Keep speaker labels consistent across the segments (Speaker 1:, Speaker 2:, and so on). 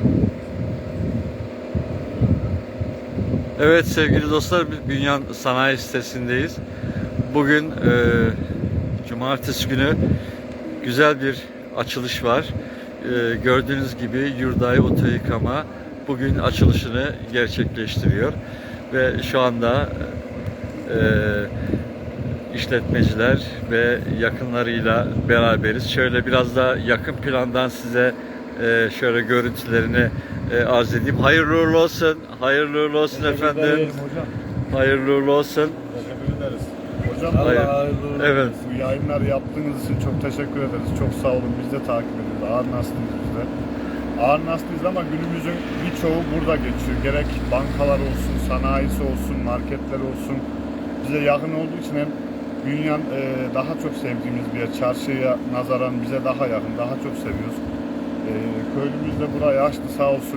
Speaker 1: Evet sevgili dostlar, Bünyan Sanayi sitesindeyiz. Bugün cumartesi günü güzel bir açılış var. Gördüğünüz gibi Yurday Oto Yıkama bugün açılışını gerçekleştiriyor. Ve şu anda işletmeciler ve yakınlarıyla beraberiz. Şöyle biraz da yakın plandan size şöyle görüntülerini arz edeyim. Hayırlı uğurlu olsun. Hayırlı uğurlu olsun efendim.
Speaker 2: Hocam.
Speaker 1: Hayırlı uğurlu olsun.
Speaker 2: Teşekkür ederiz. Hocam
Speaker 1: hayırlı uğurlu. Evet.
Speaker 2: Bu yayınları yaptığınız için çok teşekkür ederiz. Çok sağ olun. Biz de takip ediyoruz. Ağır Naslıyız biz de. Ağır Naslıyız ama günümüzün birçoğu burada geçiyor. Gerek bankalar olsun, sanayisi olsun, marketler olsun. Bize yakın olduğu için hem Bünyan daha çok sevdiğimiz bir yer. Çarşıya nazaran bize daha yakın, daha çok seviyoruz. Köylümüz de burayı açtı sağ olsun.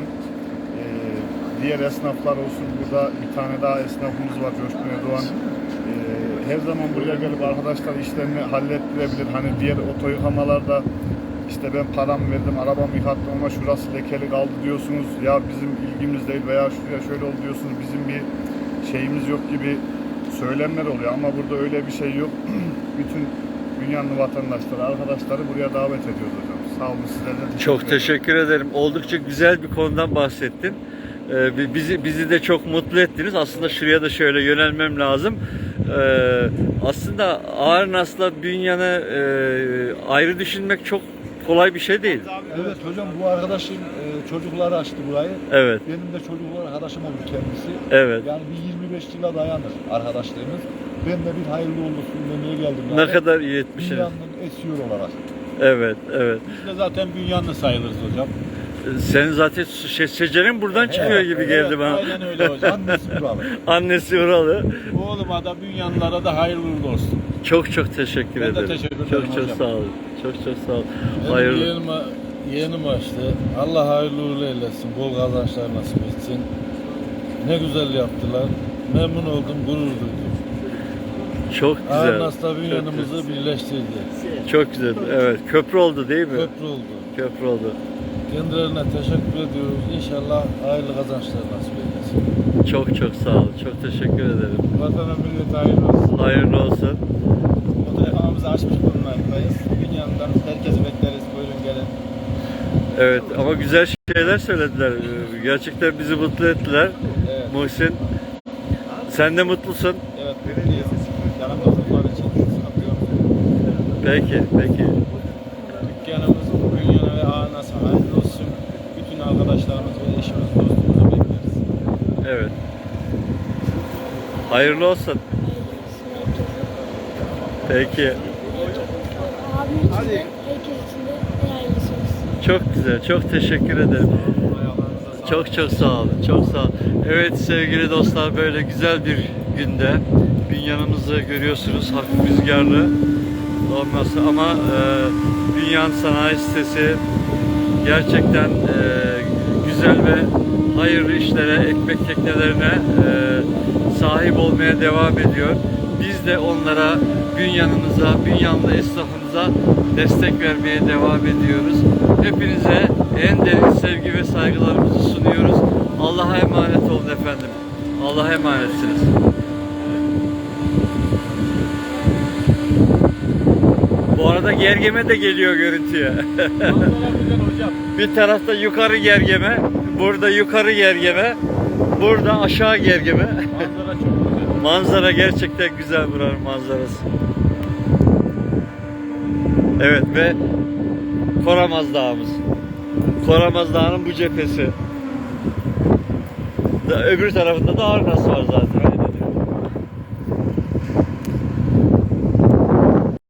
Speaker 2: Diğer esnaflar olsun. Burada bir tane daha esnafımız var, Coşkun Erdoğan. Her zaman buraya gelip arkadaşlar işlerini hallettirebilir. Hani diğer oto yıkamalarda işte ben paramı verdim, arabamı yıkattım ama şurası lekeli kaldı diyorsunuz. Ya bizim ilgimiz değil veya şuraya şöyle oldu diyorsunuz. Bizim bir şeyimiz yok gibi söylemler oluyor ama burada öyle bir şey yok. Bütün dünyanın vatandaşları, arkadaşları buraya davet ediyoruz hocam. Sağ olun, sizlerden
Speaker 1: Çok teşekkür ederim. Oldukça güzel bir konudan bahsettin. Bizi de çok mutlu ettiniz. Aslında şuraya da şöyle yönelmem lazım. Aslında Ağır Nas'la Bünyan'ı ayrı düşünmek çok kolay bir şey değil.
Speaker 3: Evet hocam, bu arkadaşım çocukları açtı burayı.
Speaker 1: Evet.
Speaker 3: Benim de çocuklar arkadaşım oldu kendisi.
Speaker 1: Evet.
Speaker 3: Yani bir 25 yıla dayanır arkadaşlığımız. Ben de bir hayırlı olsun demeye geldim.
Speaker 1: Ne kadar iyi etmişsiniz.
Speaker 3: Dünyanın esiyor olarak.
Speaker 1: Evet, evet.
Speaker 4: Biz de zaten Bünyanlı sayılırız hocam.
Speaker 1: Senin zaten şecerin buradan çıkıyor gibi geldi bana.
Speaker 4: Aynen öyle hocam.
Speaker 3: Annesi buralı.
Speaker 1: Annesi oralı.
Speaker 4: Oğluma da Bünyanlılara da hayırlı uğurlu olsun.
Speaker 1: Çok teşekkür
Speaker 4: Ben de
Speaker 1: ederim.
Speaker 4: teşekkür ederim
Speaker 1: Çok
Speaker 4: hocam.
Speaker 1: sağ olun. Çok sağ olun.
Speaker 4: Benim
Speaker 1: Hayırlı.
Speaker 4: yeğenim açtı. Allah hayırlı uğurlu eylesin. Bol kazançlar nasip etsin. Ne güzel yaptılar. Memnun oldum, gurur duydum.
Speaker 1: Çok güzel.
Speaker 4: Arnas'la Bünyan'ımızı birleştirdi.
Speaker 1: Çok güzel. Evet. Köprü oldu değil mi?
Speaker 4: Köprü oldu.
Speaker 1: Köprü oldu.
Speaker 4: Kendilerine teşekkür ediyoruz. İnşallah hayırlı kazançlar nasip eylesin.
Speaker 1: Çok sağ olun. Çok teşekkür ederim.
Speaker 4: Vatana millete hayırlı olsun.
Speaker 1: Hayırlı olsun.
Speaker 4: Oto yakamamızı açmış bulunmaktayız. Bünyan'dan herkesi bekleriz. Buyurun gelin.
Speaker 1: Evet ama güzel şeyler söylediler. Gerçekten bizi mutlu ettiler.
Speaker 4: Evet.
Speaker 1: Muhsin, sen de mutlusun.
Speaker 4: Evet, belediyesi yanımda oldukları için satıyor.
Speaker 1: Peki.
Speaker 4: Dükkanımız Bünyan'a ve Ağnas'a hayırlı olsun. Bütün arkadaşlarımız ve eşimiz, dostumuzu bekleriz.
Speaker 1: Evet. Hayırlı olsun. Peki.
Speaker 5: Abim için de, herkes için de en hayırlısı olsun.
Speaker 1: Çok güzel. Çok teşekkür ederim. Çok sağ olun. Çok sağ olun. Evet sevgili dostlar, böyle güzel bir günde Bünyan'ımızı görüyorsunuz. Hafif rüzgarlı olması ama Bünyan Sanayi Sitesi gerçekten güzel ve hayırlı işlere, ekmek teknelerine sahip olmaya devam ediyor. Biz de onlara, Bünyan'ımıza, Bünyanlı esnafımıza destek vermeye devam ediyoruz. Hepinize en derin sevgi ve saygılarımızı sunuyoruz. Allah'a emanet olun efendim. Allah'a emanetsiniz. Bu arada Gergeme de geliyor görüntüye. Bir tarafta yukarı Gergeme, burada yukarı Gergeme, burada aşağı Gergeme.
Speaker 4: Manzara çok güzel.
Speaker 1: Manzara gerçekten güzel, buranın manzarası. Evet ve Koramaz Dağımız. Koramaz Dağı'nın bu cephesi. Öbür tarafında da Ağır Nas var zaten.